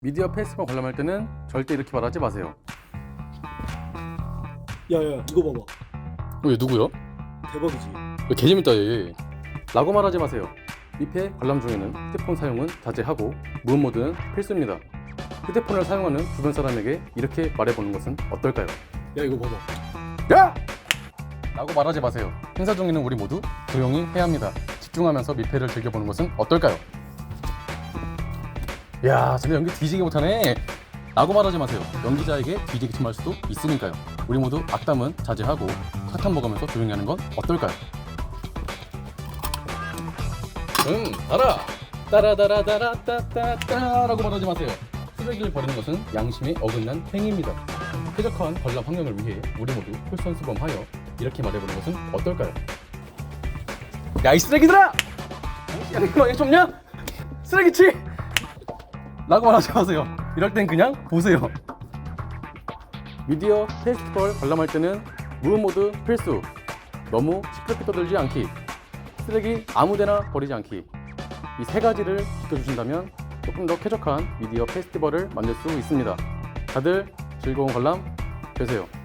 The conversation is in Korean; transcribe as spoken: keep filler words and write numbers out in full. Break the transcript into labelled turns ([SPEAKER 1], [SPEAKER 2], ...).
[SPEAKER 1] 미디어 페스티벌 관람할 때는 절대 이렇게 말하지 마세요.
[SPEAKER 2] 야야 이거 봐봐.
[SPEAKER 1] 왜 누구요?
[SPEAKER 2] 대박이지.
[SPEAKER 1] 왜 개재밌다 얘. 라고 말하지 마세요. 미페 관람 중에는 휴대폰 사용은 자제하고 무음 모드는 필수입니다. 휴대폰을 사용하는 주변 사람에게 이렇게 말해보는 것은 어떨까요?
[SPEAKER 2] 야 이거 봐봐.
[SPEAKER 1] 야! 라고 말하지 마세요. 행사 중에는 우리 모두 조용히 해야 합니다. 집중하면서 미페를 즐겨보는 것은 어떨까요? 야, 쟤네 연기 뒤지게 못하네. 라고 말하지 마세요. 연기자에게 뒤지게 침할 수도 있으니까요. 우리 모두 악담은 자제하고 사탕 먹으면서 조용히 하는 건 어떨까요? 음, 달아! 따라다라다라따따따 라고 말하지 마세요. 쓰레기를 버리는 것은 양심에 어긋난 행위입니다. 쾌적한 관람 환경을 위해 우리 모두 솔선수범하여 이렇게 말해보는 것은 어떨까요? 야, 이 쓰레기들아! 야, 이거 왜 좁냐? 쓰레기치! 라고 말하지 마세요. 이럴 땐 그냥 보세요. 미디어 페스티벌 관람할 때는 무음 모드 필수. 너무 시끄럽게 떠들지 않기. 쓰레기 아무데나 버리지 않기. 이 세 가지를 지켜주신다면 조금 더 쾌적한 미디어 페스티벌을 만들 수 있습니다. 다들 즐거운 관람 되세요.